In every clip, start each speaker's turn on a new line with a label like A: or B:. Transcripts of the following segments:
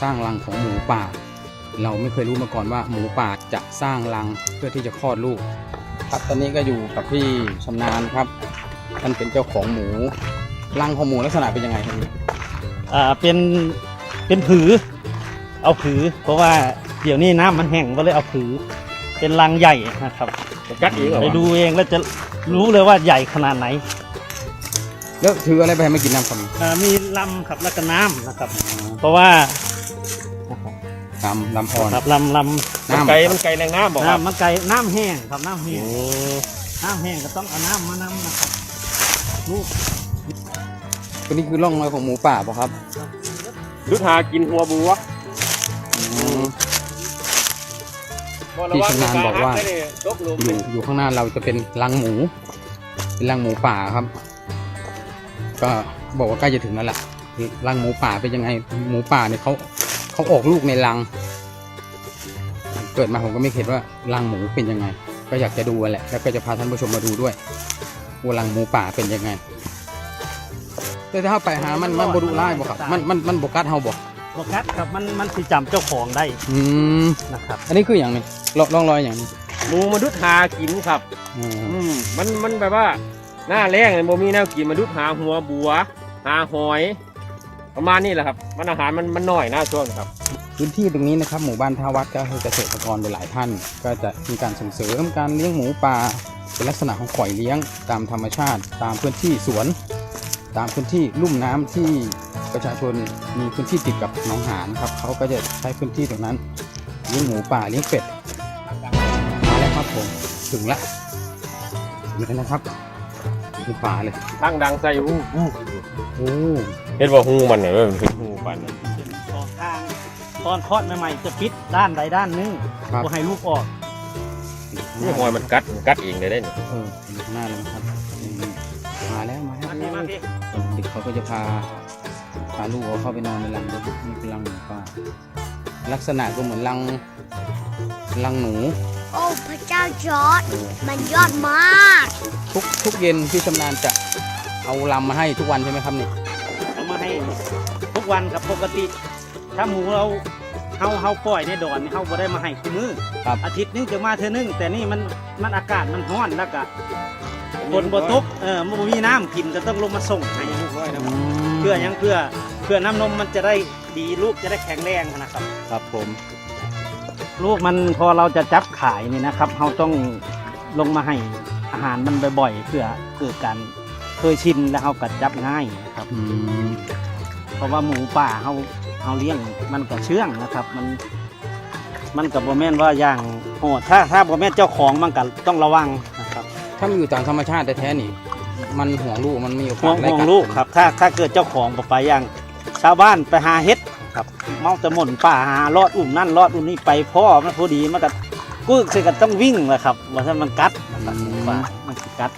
A: ร้างรังของหมูป่า เราไม่เคยรู้มาก่อนว่าหมูป่าจะสร้างรังเพื่อที่จะคลอดลูกครับตอนนี้ก็อยู่กับพี่ชำนาญครับท่านเป็นเจ้าของหมูรังของหมูลักษณะเป็นยังไงครับพี่
B: เป็นผือเอาผือเพราะว่าเดี๋ยวนี้น้ำมันแห้งก็เลยเอาผือเป็นรังใหญ่นะครับกัดเองไปดูเองแล้วจะรู้เลยว่าใหญ่ขนาดไหน
A: แล้วถืออะไรไปให้มากินน้ำครับ
B: มีลำครับแล้วก็น้ำนะครับเพราะว่า
A: ลำอ่อน
B: ครับลำ
A: น้ำ
C: มันไก่แรงน้ำบอกครับ
B: น้ำมันไก่น้ำแห้งครับน้ำแห้งน้ำแห้งก็ต้องเอาน้ำมานำนะครับลูก
A: ตัวนี้คือร่องรอยของหมูป่าป่ะครับ
C: ดุดหากินหัวบัว
A: พี่ชำนาญบอกว่าอยู่ข้างหน้าเราจะเป็นรังหมูเป็นรังหมูป่าครับ ก็บอกว่าใกล้จะถึงแล้วล่ะรังหมูป่าเป็นยังไงหมูป่าเนี่ยเขาออกลูกในรังเกิดมาผมก็ไม่เห็นว่ารังหมูเป็นยังไง ก็อยากจะดูแหละแล้วก็จะพาท่านผู้ชมมาดูด้วยว่ารังหมูป่าเป็นยังไงแต่ถ้าไปหามันบดุร้ายบ่ครับมันบกัดเฮาบ่
B: บกัดครับมันสิจำเจ้าของได้นะครับ
A: อันนี้คืออย่างนี้ร่องรอยอย่างนี้
C: หมูมาดุดหากินครับมันแบบว่าหน้าแรงเลยโมมีแนวกินมาดุดหาหัวบัวหาหอยประมาณนี้แหละครับมันอาหารมันหน่อยหน้าช่วงครับ
A: พื้นที่ตรงนี้นะครับหมู่บ้านท่าวัดก็คือเกษตรกรหลายท่าน ก็จะมีการส่งเสริมการเลี้ยงหมูป่าเป็นลักษณะของปล่อยเลี้ยงตามธรรมชาติตามพื้นที่สวน ตามพื้นที่ลุ่มน้ำที่ประชาชนมีพื้นที่ติดกับหนองหานครับเขาก็จะใช้พื้นที่ตรงนั้นเลี้ยงหมูป่าเลี้ยงเป็ดมาแล้วครับผมถึงแล้วนะครับถึงป่าเลย
C: ตั้งดังใส่หู
A: โอ้
C: เห็นว่าหูมันเนี่ยมันคือหูปัน
B: สองทางตอนคลอดใหม่ๆจะปิดด้านใดด้านหนึงเพื่อให้ลูกออก
C: นี่หอยมันกัดเองเลยได้เนี่ย
A: อยู่ข้างหน้าเลยนะครับมาแล้ว
B: มาพี่
A: เด็กเขาก็จะพาลูกเขาเข้าไปนอนในรังนี่เป็นรังหมูป่าลักษณะก็เหมือนรังหนู
D: โอ้พระเจ้าจอร์จมันยอดมาก
A: ทุกเย็นพี่ชำนาญจะเอาลำมาให้ทุกวันใช่ไหมครับเนี่ย
B: เอามาให้ทุกวันครับปกติ ถ้าหมูเราปล่อยในดอนนี่เขาบ่ได้มาให้ทุกมื้ออาทิตย์นึงจะมาเท่อนึงแต่นี่มันอากาศมันร้อนแล้วก็ฝนบ่ตกมันบ่มีน้ำกินก็ต้องลงมาส่งให้เพื่อหยังเพื่อน้ำนมมันจะได้ดีลูกจะได้แข็งแรงนะครับ
A: ครับผม
B: ลูกมันพอเราจะจับขายนี่นะครับเราต้องลงมาให้อาหารมันบ่อยๆเพื่อเกิดการเคยชินแล้วเราก็จับง่ายนะครับเพราะว่าหมูป่าเราเลี้ยงมันก็เชื่องนะครับมันกับบ่แม่นว่าอย่างโหดถ้าบ่แม่นเจ้าของมันก็ต้องระวังนะครับ
A: ถ้ามันอยู่ตามธรรมชาติแท้ๆนี่มันห่วงลูกมันมีโอกาส
B: ห่วงลูกครับถ้าเกิดเจ้าของบ่ไปอย่างชาวบ้านไปหาเฮ็ดครับเมาแต่หม่นป่าหาลอดอุ่มนั่นลอดอุ่มนี่ไปพ่อมันพอดีมันก็กึกสิก็ต้องวิ่งแหละครับว่าถ้ามันกัดนะครับหมูป่ามันสิกัด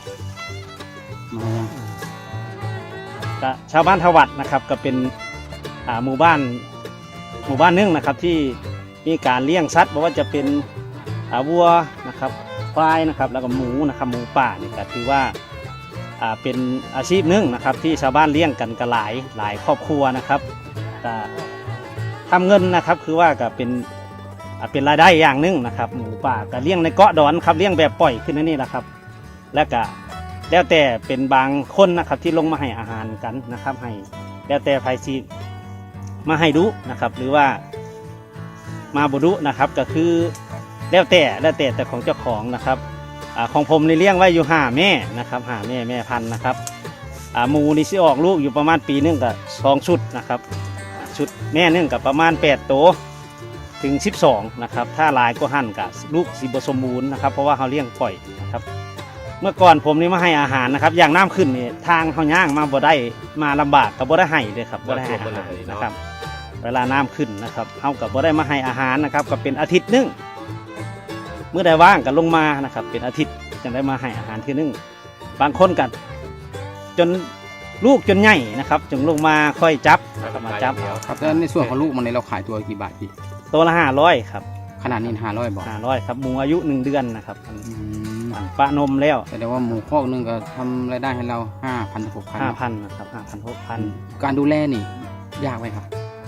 B: ก็ชาวบ้านทวัดนะครับก็เป็นหมู่บ้านนึงนะครับที่มีการเลี้ยงสัตว์ไม่ว่าจะเป็นวัวนะครับควายนะครับแล้วก็หมูนะครับหมูป่านี่ก็ถือว่าเป็นอาชีพหนึ่งนะครับที่ชาวบ้านเลี้ยงกันกันหลายครอบครัวนะครับก็ทำเงินนะครับคือว่าก็เป็นรายได้อย่างหนึ่งนะครับหมูป่าก็เลี้ยงในเกาะดอนครับเลี้ยงแบบปล่อยขึ้นนี่แหละครับแล้วก็แล้วแต่เป็นบางคนนะครับที่ลงมาให้อาหารกันนะครับให้แล้วแต่ไผซีมาให้ดูนะครับหรือว่ามาบุรุนะครับก็คือแล้วแต่ของเจ้าของนะครับของผมในเลี้ยงไว้อยู่5 แม่นะครับ5 แม่พันธุ์นะครับหมูนี่สิออกลูกอยู่ประมาณปีนึงกับ2 ชุดนะครับชุดแม่นึงกับประมาณ8 โตถึง12นะครับถ้าหลายก็หั่นกับลูกสิบสมบูรณ์นะครับเพราะว่าเขาเลี้ยงปล่อยนะครับเมื่อก่อนผมนี่มาให้อาหารนะครับอย่างน้ำขึ้นนี่ทางเขาย่างมาบ่ได้มาลำบากกับบ่ได้ให้เลยครับบ่ได้ให้อาหารนะครับเวลาน้ำขึ้นนะครับเขากับบ่ได้มาให้อาหารนะครับก็เป็นอาทิตย์นึงเมื่อใดว่างก็ลงมานะครับเป็นอาทิตย์จึงได้มาให้อาหารทีนึงบางคนกันจนลูกจนใหญ่นะครับจึงลงมาค่อยจับมาจับ
A: ครับแล้วในส่วนของลูกมันในเราขายตัวกี่บาทพี่
B: ตัวละ500ครับ
A: ขนาดนี้500บอก
B: 500ครับหมูอายุ1 เดือนนะครับปะนมแล้ว
A: แต่ว่าหมูคอกนึงก็ทำรายได้ให้เรา 5,000 ถึง 6,000
B: 5,000นะครับ5,000 6,000
A: การดูแลนี่ยากไหมครับ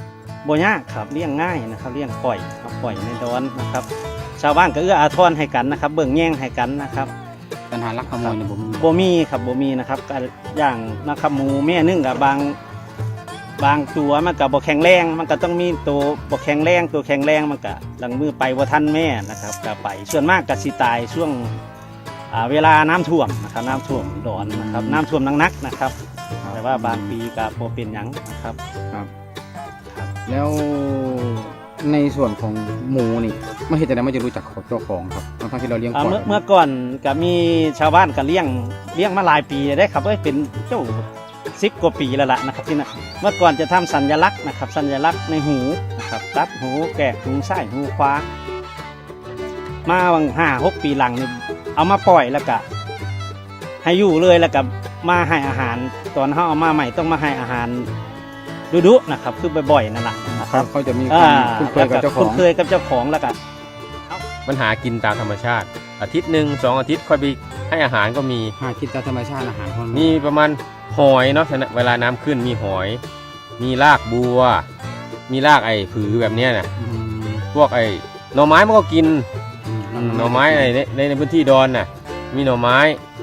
B: บ่ยากครับเลี้ยงง่ายนะครับเลี้ยงปล่อยครับปล่อยในดอนนะครับชาวบ้านก็เอื้ออาทรให้กันนะครับเบิ่งแย่งให้กันนะครับ
A: ปัญหาลักขโมยเนี่ยผมมี
B: บ่มีครับบ่มีนะครับก็อย่างนะครับหมูแม่นึงกับบางตัวมันก็บ่แข็งแรงมันก็ต้องมีตัวบ่แข็งแรงตัวแข็งแรงมันก็หลังมือไปบ่ทันแม่นะครับก็ไปส่วนมากก็สิตายช่วงเวลาน้ำท่วมนะครับน้ำท่วมดอนนะครับน้ำท่วมหนักๆนะครับ แต่ว่าบางปีก็บ่เป็นหยังนะครับ
A: แล้วในส่วนของหมูนี่ไม่เห็นแต่นั้นไม่จะรู้จักเจ้าของครับทั้งที่เราเลี้ยงปล่อย
B: เมื่อก่อนก็มีชาวบ้านก็เลี้ยงมาหลายปีได้ครับเป็นเจ้า10 กว่าปีแล้วล่ะนะครับที่นั่นเมื่อก่อนจะทำสัญลักษณ์นะครับสัญลักษณ์ในหูนะครับตัดหูแกะหูซ้ายหูขวามาวัง5-6 ปีหลังนี่เอามาปล่อยแล้วก็ให้อยู่เลยแล้วก็มาให้อาหารตอนเขาเอามาใหม่ต้องมาให้อาหารดุๆนะครับคือบ่อยๆนั่นแหละนะครับ
A: เขาจะมีความคุ้นเคยกับเจ้าของ
B: คุ้นเคยกับเจ้าของแล้วก็
C: มันหากินตามธรรมชาติ อาทิตย์หนึ่ง2 อาทิตย์ค่อยไปให้อาหารก็มี
A: หากินตามธรรมชาติอาหารของ
C: มีประมาณหอยเนาะเวลาน้ำขึ้นมีหอย มีรากบัว มีรากไอ้ผือแบบเนี้ยนะพวกไอ้หน่อไม้มันก็กินหน่อไม้ในพื้นที่ดอนน่ะมีหน่อไม้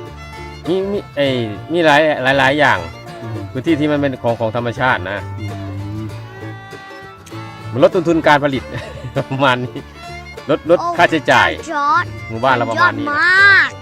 C: มีหลายอย่างพื้นที่ที่มันเป็นของธรรมชาตินะมันลดต้นทุนการผลิต ประมาณนี้ลดค่าใช้จ่าย
D: จอร์ด
C: หมู่บ้านเราประมาณนี้
D: ยอดมาก